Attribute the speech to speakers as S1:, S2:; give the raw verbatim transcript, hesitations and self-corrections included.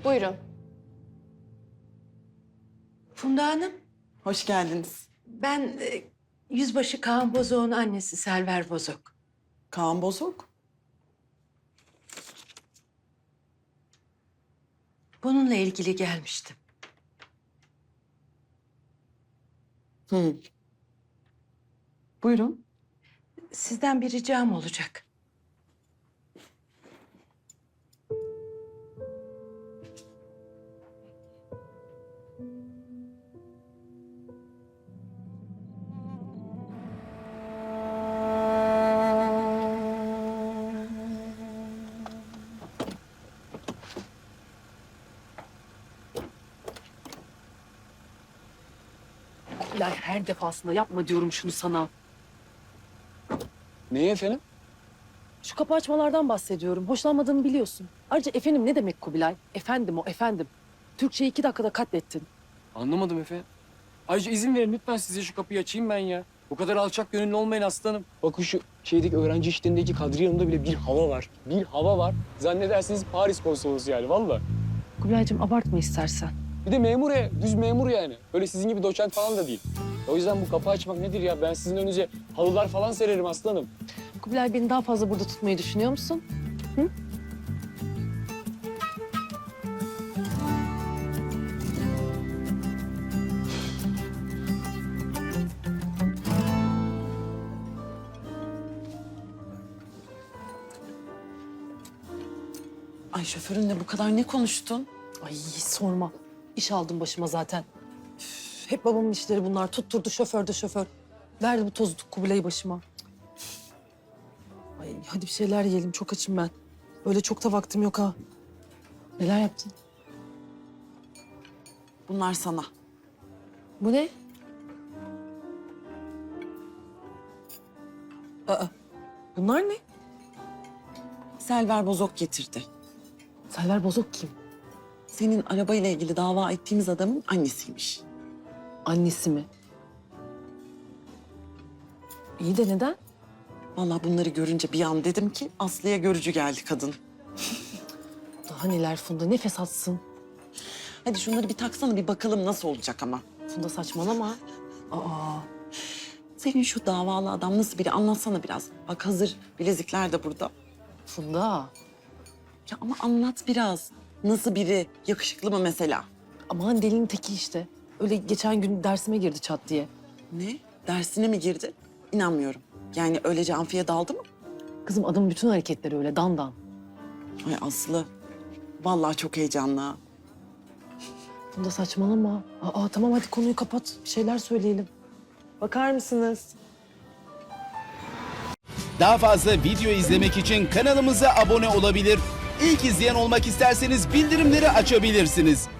S1: Buyurun.
S2: Funda Hanım,
S3: Hoş geldiniz.
S2: ben e, Yüzbaşı Kaan Bozok'un annesi Selver Bozok.
S3: Kaan Bozok.
S2: Bununla ilgili gelmiştim.
S3: Hı. Buyurun.
S2: Sizden bir ricam olacak.
S4: Kubilay her defasında yapma diyorum şunu sana.
S5: Neyi efendim?
S4: Şu kapı açmalardan bahsediyorum. Hoşlanmadığımı biliyorsun. Ayrıca efendim ne demek Kubilay? Efendim o efendim. Türkçeyi iki dakikada katlettin.
S5: Anlamadım efendim. Ayrıca izin verin lütfen size şu kapıyı açayım ben ya. Bu kadar alçak gönüllü olmayın aslanım. Bakın şu şeydeki öğrenci işlerindeki Kadriye Hanım'da bile bir hava var. Bir hava var. Zannedersiniz Paris konsolosu yani vallahi.
S4: Kubilaycığım abartma istersen.
S5: Bir de memur ya, düz memur yani. Öyle sizin gibi doçent falan da değil. O yüzden bu kapı açmak nedir ya? Ben sizin önünüze halılar falan sererim aslanım.
S4: Kubilay beni daha fazla burada tutmayı düşünüyor musun? Hı?
S3: Ay şoförünle bu kadar ne konuştun?
S4: Ay sorma. İş aldım başıma zaten. Üf, hep babamın işleri bunlar. Tutturdu şoför de şoför. Verdi bu tozu Kubilay'ı başıma. Ay hadi bir şeyler yiyelim. Çok açım ben. Öyle çok da vaktim yok ha. Neler yaptın?
S3: Bunlar sana.
S4: Bu ne? Aa, bunlar ne?
S3: Selver Bozok getirdi.
S4: Selver Bozok kim?
S3: Senin arabayla ilgili dava ettiğimiz adamın annesiymiş.
S4: Annesi mi? İyi de neden?
S3: Vallahi bunları görünce bir an dedim ki Aslı'ya görücü geldi kadın.
S4: Daha neler Funda, nefes atsın.
S3: Hadi şunları bir taksana bir bakalım nasıl olacak ama.
S4: Funda saçmalama. Aa,
S3: Senin şu davalı adam nasıl biri anlatsana biraz. Bak hazır bilezikler de burada.
S4: Funda.
S3: Ya ama anlat biraz. Nasıl biri? Yakışıklı mı mesela?
S4: Aman delinin teki işte. Öyle geçen gün dersime girdi çat diye.
S3: Ne? Dersine mi girdi? İnanmıyorum. Yani öylece amfiye daldı mı?
S4: Kızım adamın bütün hareketleri öyle dandan.
S3: Ay Aslı. Vallahi çok heyecanlı. ha.
S4: Funda saçmalama. Aa tamam hadi konuyu kapat. Bir şeyler söyleyelim. Bakar mısınız?
S6: Daha fazla video izlemek için kanalımıza abone olabilir. İlk izleyen olmak isterseniz bildirimleri açabilirsiniz.